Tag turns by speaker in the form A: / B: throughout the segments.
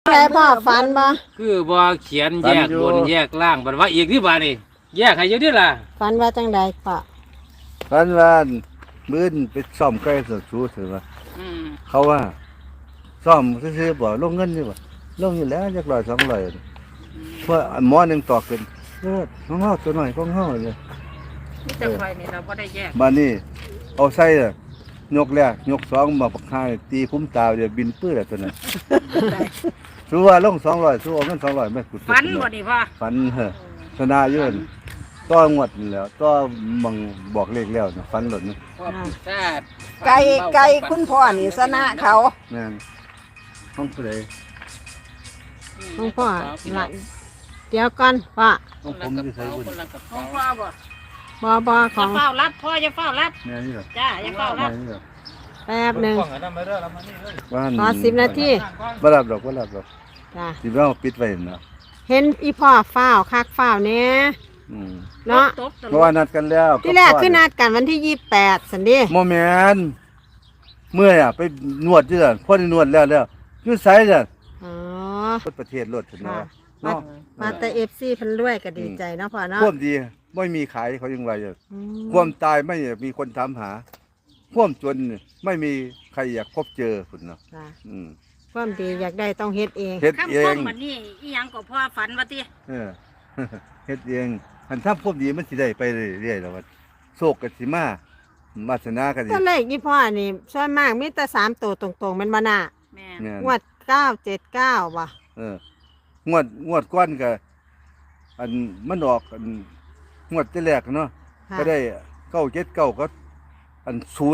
A: แม่พ่อฝันบ่
B: คือบ่เขียนแยกบนแยกล่างบัดว่าอีกที่บ้านนี่แยกให้เยอะดิล่ะ
A: ฝันว่าจังใดพ่อ
C: ฝันว่ามื้อนไปซ่อมไก่สดชูถือว่าเขาว่าซ่อมซื้อๆบ่ลงเงินนี่บ่ลงอยู่แล้วจัก100 200เพราะหมอหนึงตอกเป็นของเฮาตัวน้อยของเฮาเลย
D: มีแต่ไฟนี่เราบ่ได้แยก
C: บัดนี้เอาใส่ยกแรกยกสองมาปักท้ายตีคุ้มตาเดี๋ยวบินปื้อแล้วตัวนั้นสู้ว่าลง200สู้เอาเงิน200ไม่ขุด
D: ฝันบ่นี่พ่อ
C: ฝันชนะอยู่นั่นต้องวดนั่นแหล้วต้องบังบอกเลขแล้วนะฝันหล่นนะ
D: พ่อพิซซ่า
E: ไก่คุณพ่อนี่ชนะเขา
C: แม่นห้องผู้ใด
A: ของพ่อหลังเดี๋ยวก่อนพ่อ
C: ห้องผมที่ใส่บุญ
D: ของพ่อบ่
A: บ่ข
D: อย่า
A: อง
D: เฝ้ารับพ่ออย่าเฝ้ารับ
C: แม่นี่เหรอ
D: จ้าอย่าเฝ้า
C: แม่
D: รับ
C: นี่เหรอ
A: แป๊บหนึง
C: บ้าน
A: ขอ10 นาที
C: บ่รับดอกบ่รับดอก
A: จ้ะ
C: สิเอาปิดไว้นะ
A: เห็นอีพ่อฟ้าวคักฟ้าวแน่
C: อืม
A: เนาะ
D: ตบต
C: เพราะว่านัดกันแล้ว
A: ที่แรกคือนัดกันวันที่28สันเดิ
C: บ่แม่นเมื่อยไปนวดอยู่นั่นพอได้นวดแล้วอยู่ไสจ้ะ
A: อ๋อ
C: ประเทศรถพุ่น
A: ค่ะ
C: เนาะเนาะ
A: มาแต่ FC เพิ่นรวยก็ดีใจเนาะพ่อเนาะ
C: ความดีไม่มีขายเขายังว่าอยู่
A: อืม
C: ความตายไม่มีคนถามหา ความจนไม่มีใครอยากพบเจอพุ่นเนาะ
A: จ้ะ
C: อืม
A: ความดีอยากได้ต้องเฮ็ดเอง
C: เฮ็ด
D: คำ
C: เอ
D: พ้อง งบัดนี้อีหยังก็พ่อฝันว่าติ
C: เออ เฮ็ดเองอันทำความดีมันสิได้ไปเรื่อยๆแล้วว่าโชคก็สิมามาสนาก็สิ
A: ตัวเลขอีพ่อนี่ส่วนมากมีแต่3ตัวตรงๆแมันบ่น่ะ
D: แม่
C: เนี่ย
A: งวด979บ่
C: เอองวดก้อนก็อันมันออกอันงวดที่แรกเนาะ
A: ค่ะ
C: ก็ได้979ก็อัน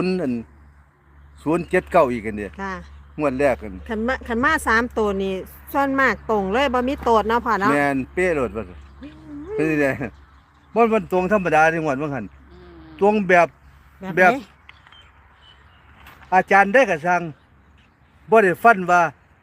C: 079อีกอันเดีย
A: ค่ะ
C: งวดแรกกัน
A: ขันมา3ตัวนี่ส่วนมากตรงเลยบ่มีโตดเนาะพ่อเนาะ
C: แม่นเป๊ะโลดว่าเป็นจังได๋บ่มันตรงธรรมดาที่งวดว่าหั่นตรงแบบ แบบ
A: ไหน
C: อาจารย์ได้ก็สั่งบ่ได้ฟันว่า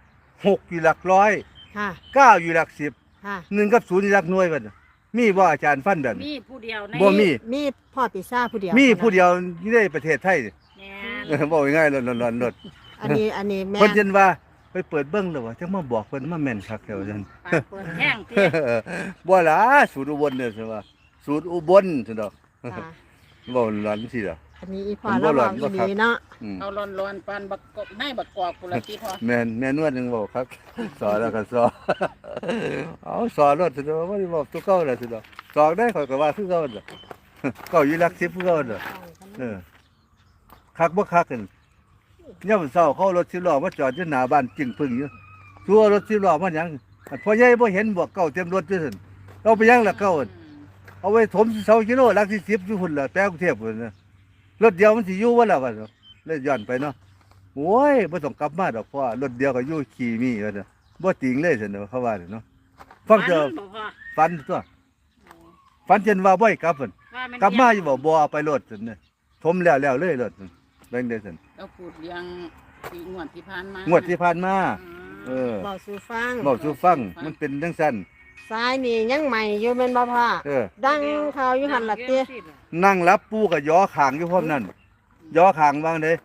C: 6อยู่หลักร้อย
A: ค่ะ
C: 9อยู่หลัก10
A: ค่ะ
C: 1กับ0อยู่หลักหน่วยบัดน่ะมีบ่อาจารย์ฟันแบบ
D: มีผู้เดียวใน
C: บ่มี
A: มีพ่อปีซ่าผู้เดียว
C: มีผู้เดียวอยู่ในประเทศไทยนี่
D: แม่
C: บอกง่ายๆหลอนๆ
A: อันนี้แม่
C: เพิ่นจันว่าไปเปิดเบิ่งแล้วว่าจังมาบอกเพิ่นมาแม่นคักแถวซั่น
D: ปากเปิดแห้งติ
C: บ่ล่ะสูตรอุบลเด้อซั่นว่าสูตรอุบลซั่นดอก
A: ค่ะ
C: บ่หลอนสิล่ะ
A: อันนี้อีพ่อ
C: ผมบ่
A: เรา
C: หล
A: บ
C: อ
A: อน ก
C: บ่
A: อี
C: ครับ
A: ดีเนาะ
C: อืม
D: เอาร้อนๆปานบักกอกในบักกอกพุ่นละติพ่อ
C: แม่นวดนึงบอกครับ สอนแล้วก็สอน เอาสอนรถซั่นดอกบ่ได้บอกตัวเก่าแล้วซั่นดอกสอนได้ข่อยก็ว่าคือเก่าน่ะ เก่าอยู่หลัก10คือเก่าน่ะเออคักบ่คักกันยามเช้าเขาเอารถ10ล้อมาจอดอยู่หน้าบ้านจึงพึ่งอยู่ชัวรถ10ล้อมาหยังอันพ่อใหญ่บ่เห็นบอกเก่าเต็มรถอยู่ซั่นเอาไปหยังล่ะเก่าอั่นเอาไว้ถม2กิโลหลักที่10อยู่พุ่นล่ะแปลกรุงเทพพุ่นน่ะรถเดียวมันสิอยู่บ่ล่ะว่าเลยย้อนไปเนาะโอ้ยบ่ต้องกลับมาดอกเพราะว่ารถเดียวก็อยู่ขี่มีว่าซั่นบ่ติงเลยซั่นเนาะเขาว่าเนาะฟังเถอะ
D: บ่พ่อ
C: ฝันตัวฝันจนว่าบ่ให้กลับพุ่น
D: ว่ามัน
C: กลับมาอยู่บ่เอาไปรถซั่นน่ะถมแล้วเลยรถซั่นแบ่งได้ซั่น
D: เราพูดเรื่องปีงวดที่ผ่านมาง
C: วดที่ผ่านมาเออ
A: บอกสู่ฟัง
C: บอกสู่ฟังมันเป็นจังซั่น
A: ซ้ายนี่ยังใหม่อยู่แม่นบ่พ่อ
C: เออ
A: ดังข่าวอยู่หั่นล่ะติ
C: นั่งรับปูก็ย่อขางอยู่พร้อมนั่นย่อขางวางเด้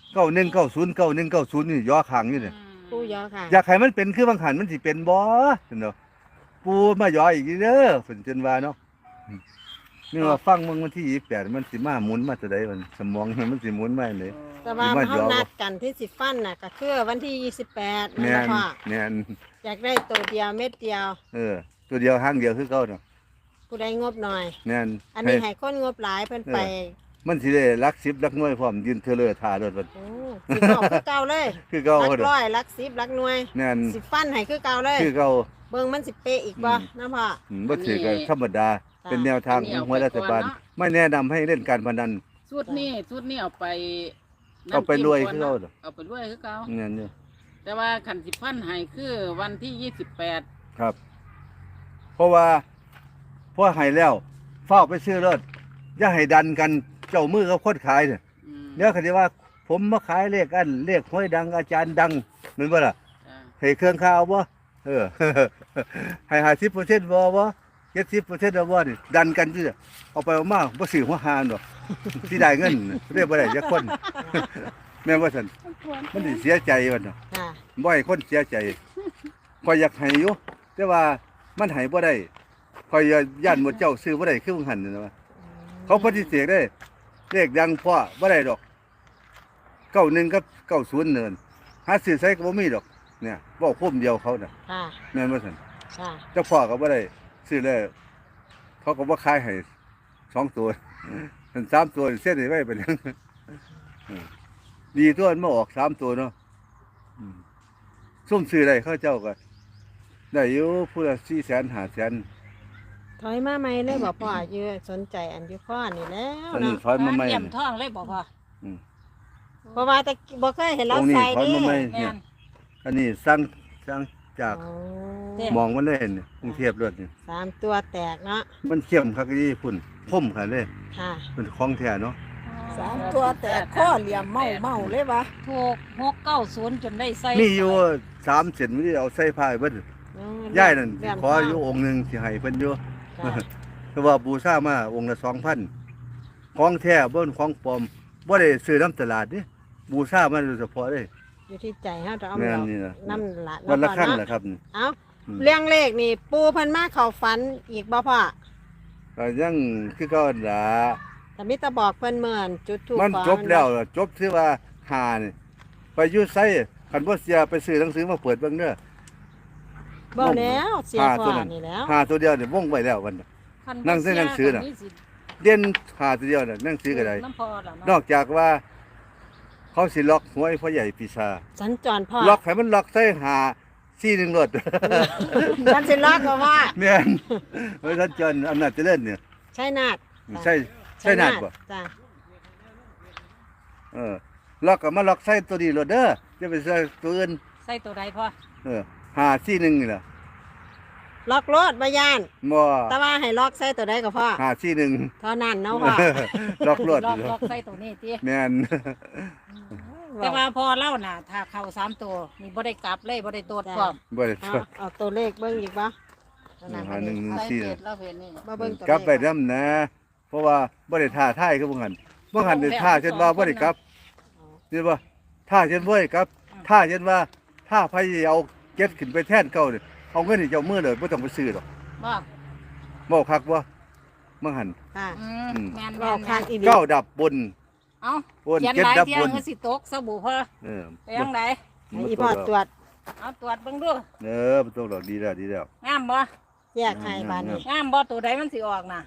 C: 9190 9190นี่ย่อขางอยู่นี่
A: ผู้ยอค่ะ
C: อยากให้มันเป็นคือบางหันมันสิเป็นบ่ซั่นเนาะปูมาย่ออีกเด้อเพิ่นจนว่าเนาะนี่ว่าฟังมึงวันที่28มันสิมาหมุนมาแต่ใดมันสมองมันสิหมุนมาจั่งใด
A: แต่ว่า
C: มา
A: เฮา
C: ย้อ
A: นัดกันที่สิฟันน่ะก็คือวันที่28
C: แม่
A: นั่น
C: น
A: พ่อ
C: แม่น
A: อยากได้ตัวเดียวเม็ดเดียว
C: เออตัวเดียวหางเดียวคือเก่าเนาะ
A: ผู้ใดงบหน่อย
C: แม่น
A: อันนี้ให้คนงบหลายเพิ่นไป
C: มันสิได้หลัก10หลักหน่วยพร้อมยืนเทอเลอท่ารถมัน
A: โอ้สิบอกคือเก่าเลย
C: คือเก่า
A: หลัก
C: เด้อ
A: ร้อยหลัก10หลักหน่วย
C: แม่น
A: สิฟันให้คือเก่าเลย
C: คือเก่า
A: เบิ่งมันสิเป๊ะอีกบ่นะพ่อ
C: บ่ถือก็ธรรมดา
A: จ้ะ
C: เป็นแนวทางของหัวรัฐบาลไม่แนะนำให้เล่นการพนัน
D: ชุดนี้เอาไป
C: เอาไปรวยคือเก่าเด้อ
D: เอาไปรวยคือเก่า
C: นั่นนี่
D: แต่ว่าขันสิพันให้คือวันที่28
C: ครับ เพราะว่าพอให้แล้วเฝ้าไปซื้อรถอย่าให้ดันกันเจ้ามือกับคนขายเนี่ย
D: อืม
C: เดี๋ยวเขาจะว่า ผมมาขายเลขอันเลขห้วยดังอาจารย์ดังแมันบ่ล่ะ
D: จ้ะ
C: ให้เครื่องข้าวบ่เออ ให้50%บ่70%บ่นี่ดันกันซื่อเอาไปเอามาบ่ซื้อหัวหานดอก สิได้เงินเรียกบ่ได้จักคน แม่นว่าซั่นมันสิเสียใจว่าเนาะ
A: ค่ะ
C: บ่ให้คนเสียใจข่อยอยากให้อยู่แต่ว่ามันให้บ่ได้ข่อยย่านหมดเจ้าซื้อบ่ได้คือมึงหั่นน่ะว่าเขาปฏิเสธได้เลขดังพ่อบ่ได้ดอก91กับ90เนินหาซื้อใส่ก็บ่มีดอกเนี่ยเว้าพุ่มเดียวเขาน่ะ
A: ค่ะ
C: แม่นบ่ซั่น
A: ค่ะ
C: เจ้าพ่อก็บ่ได้ซื้อเลยเขาก็บ่ขายให้2ตัวถึง3ตัวเส้นให้ไว้เป็นดีตัวมันมาออก3ตัวเนาะซุ่มซื้อได้เขาเจ้าก็ได้อยู่ผู้ละ400,000 500,000
A: ถอยมาใหม่เลยบอกพ่ออยู่สนใจอันอยู่ข้อนี่แล้ว
C: อันนี้
A: เนาะ
C: ถอยมาใหม่
D: เยี่ยมท้องเลยบ่พ่อ
A: เพราะว่าแต่บ่เคยเห็น
C: ต
A: เรา
C: รงนี้
A: ใส่
C: ถอย
A: ดิ
C: มาใหม่
D: แม่
C: เนี่ย
D: น
C: อันนี้สั่งจาก
A: โอ้
C: มองมันเลยเนี่ยกรุงเทพรถนี่
A: 3 ตัวแตกเนาะ
C: มันเข้มคักอีพุ่นคมขนาดเลย
A: ค่ะ
C: เป็นของแท้เนาะ
E: 3 ตัวแต่ข้อเหลี่ยมเมาเลยวะ
D: ถูก690จนได้ใส่
C: มีอยู่3เส้นมันเอาใส่ผ้าเบิดย่ายนั่นขออยู่องค์หนึงสิให้เพิ่นอยู่
A: ค่ะ
C: แต่ว่าบูชามาองค์ละ 2,000ของแท้บ่นของปลอมบ่ได้ซื้อน้ำตลาดนี่บูชามาโดยเฉพาะเลย
A: อยู่ที่ใจเฮาจะเอา
C: แม่น
A: ดอก
C: นี่นะ
A: น้ำละ
C: วันละครั้ง
A: เนา
C: แหละครับนี่
A: เอ้า
C: อืม
A: เรื่องเลขนี่ปูเพิ่นมาเข้าฝันอีกบ่พ่อ
C: ก็ยังคือเก่าหั่นล่ะ
A: แต่มิตรบอกเพิ่นเหมือนจุดถูก
C: มันจบแล้วจบที่ว่าหานี่ไปอยู่ไสคันบ่เสียไปซื้อหนังสือมาเปิดเบิ่งเด้อ
A: บ่แล้วเสีย
C: หา
A: พ่
C: ตั
A: อ
C: วนั้น
A: นี่แล้ว
C: หาตัวเดียวนี่วงไว้แล้วมันน่ะ
D: คับ่
C: นั่งเส้นหนังสือน่ะ
D: เสียก็มีสิ
C: เด่นหาตัวเดียวน่ะหนังสือก็ได้
D: น้ำพอล่ะ
C: น
D: เนาะ
C: อกจากว่าเขาสิล็อกหวยพ่อใหญ่ปีชา
A: สัญจรพ่อ
C: ล็อกให้มันล็อกใส่หา41รถ
A: มันสิล็อกก็ว่า
C: แม่นเฮ้ยท่านเจริญอำนาจเจริญเนี่ย
A: ใช่นาด
C: ใช่นาดบ่
A: จ้ะ
C: ล็อกก็มาล็อกใส่ตัวนี้รถเด้อจะไปใส่ตัวอื่น
D: ใส่ตัวใดพ่อ
C: 541นี่ล่ะ
A: ล็อกรถบ่ย่าน
C: บ่
A: แต่ว่าให้ล็อกใส่ตัวใดก็พ่อ
C: 541
A: เท่านั้นเนาะพ่อ
C: ล็อกรถ
D: ล็อกใส่ตัวนี้ติ
C: แม่น
D: แต่ว่าพอเล่าน่ะ ถ้าเข้า3ตัวนี่บ่ได้กลับเลยบ่ได้โตดพร้อม
C: บ่ได้
A: เอาตัวเลขเบิ่งอีกบ่ตัวนั้น
C: หาหนึ่ง
D: ใส่
C: สี่
D: เกตเราเห็นนี่
A: มาเบิ่งตัวเลข
C: กลับไปนำนะ เพราะว่าบ่ได้ท่าทายคือบ่หันได้ท่าเช่นว่าบ่ได้กลับนี่บ่ท่าเช่นบ่ได้กลับท่าเช่นว่าถ้าไผเอาเก็ดขึ้นไปแทนเก่านี่เอาเงินให้เจ้ามือเลยบ่ต้องไปซื้อดอก
D: บ่
C: เว้าคักบ่บ่หัน
A: ค่ะ
D: แม่น
A: เว้าคักอีหลี
C: เก้าดับบน
D: เอ้า
C: บน
D: เขียน
C: เก็ด
D: หลาย
C: ดับ
D: เที่ย
C: บ
D: ง
C: น
D: ก็สิตกสบู่พ่อ
C: เออ
D: ไปยังได
A: ให้อีพ่อตรวจ
D: เอาตรวจเบิ่งดู
C: บ่ต้องดอกดีแล้วดีแล้ว
D: งามบ่
A: แยกให้บานนี้
D: งามบ่ตัวใดมันสิออกน่ะ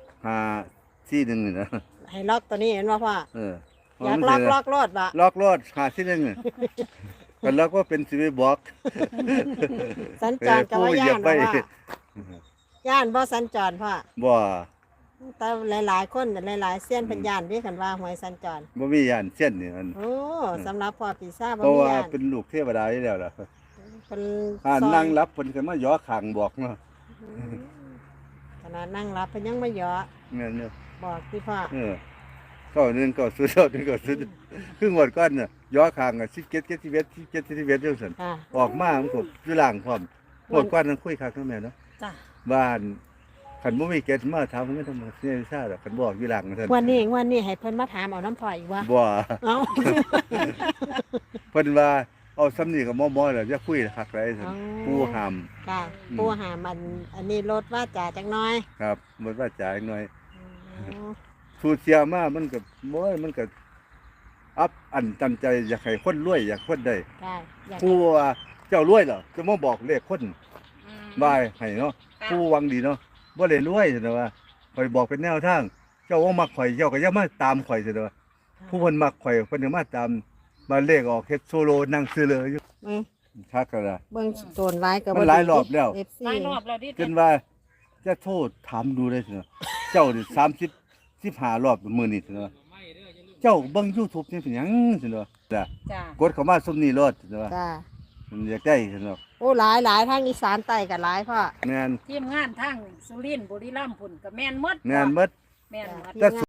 C: 541นี่นะ
A: ให้ล็อกตัวนี้เห็นบ่พ่อ
C: เออ
A: อยากล็อกรถบ่
C: ล็อกรถ541นี่กันล็อกว่าเป็นสิไปบอก
A: สัญจรกับว่าย่านบ่ว่าย่านบ่สัญจรพ่อ
C: บ่
A: แต่หลายๆคนหลายๆเส้นเป็นย่านที่กันว่าหวยสัญจร
C: บ่มีย่านเส้นนี่มัน
A: โอ้สำหรับพ่อปีซ่าจบ่
C: เพราะ
A: มี
C: ว่า
A: ย่าน
C: เป็นลูกเทวดาอยู่แล้วล่ะ
A: เป็น
C: อ่านั่งรับเพิ่นก็มาย่อข้างบอกเนาะ
A: ขนาดนั่งรับเพิ่นยังไม่ยอ
C: แม่นเนาะ
A: บอกที่พ่อ
C: ก็นึงก็สุดนึงก็สุดครึ่งวันก่อนน่ะย่อข้างอ่ะ17 71 17 71จังซั่น
A: ค่ะ
C: ออกมามันก็อยู่ล่างพร้อมหมดก่อนนั้นคุยคักเนาะแม่เนาะ
D: จ้ะ
C: บ้านคันบ่มีเก็ดมาถามเงินทำไมเสียซ่าดอกคันบอกอยู่ล่างซั่น
A: วันนี้ให้เพิ่นมาถามเอาน้ำพ่ออีกว่า
C: บ่
A: เอ้า
C: เพิ่นว่าเอาซ้ำนี่ก็มอๆแล้วอย่าคุยคักไรซั่นผู้ห้าม
A: ค่ะผู้หามันอันนี้ลดว่าจ่าจักหน้อย
C: ครับหมดว่าจ่ายหน่อย
A: อ๋อ
C: สูตรเสียมามันก็โอ้ยมันก็อับอันตันใจอยากให้คนรวยอยากคนได้
A: ได้อยาก
C: ผู้ว่าเจ้ารวยเหรอจะมาบอกเลขคน
D: อืม
C: บายให้เนาะผู้หวังดีเนาะบ่ได้รวยซั่นนะว่าข่อยบอกเป็นแนวทาง เจ้าว่ามักข่อยเจ้าก็อย่ามาตามข่อยซั่นนะว่าผู้เพิ่นมักข่อยเพิ่นก็มาตามมาเลขออกเฮ็ดโซโลนั่งซื้อเลยอยู่
A: เบิ่ง
C: ชักกันล่ะ
A: เบิ่งโซนไว้ก็
C: มันหลายรอบแล้ว
A: FC
D: หลายรอบแล้วดิ
C: จนว่าจะโทษถามดูได้ซั่นนะเจ้านี่30 15รอบมื้อนี้ซั่นนะเจ้าเบิ่ง YouTube นี่เป็นหยังซั่นนะจ้ะ
D: จ้ะ
C: กดเข้ามาซุมนี้รถซั่นนะ
A: จ้า
C: มันอยากได้ซั่นเนาะ
A: โอ้หลายทางอีสานใต้ก็หลายพ่อ
C: แม่น
D: ทีมงานทั้งสุรินทร์บุรีรัมย์พุ่นก็แม่นหมด
C: แม่นหมด
D: แม่นหมด
C: แต่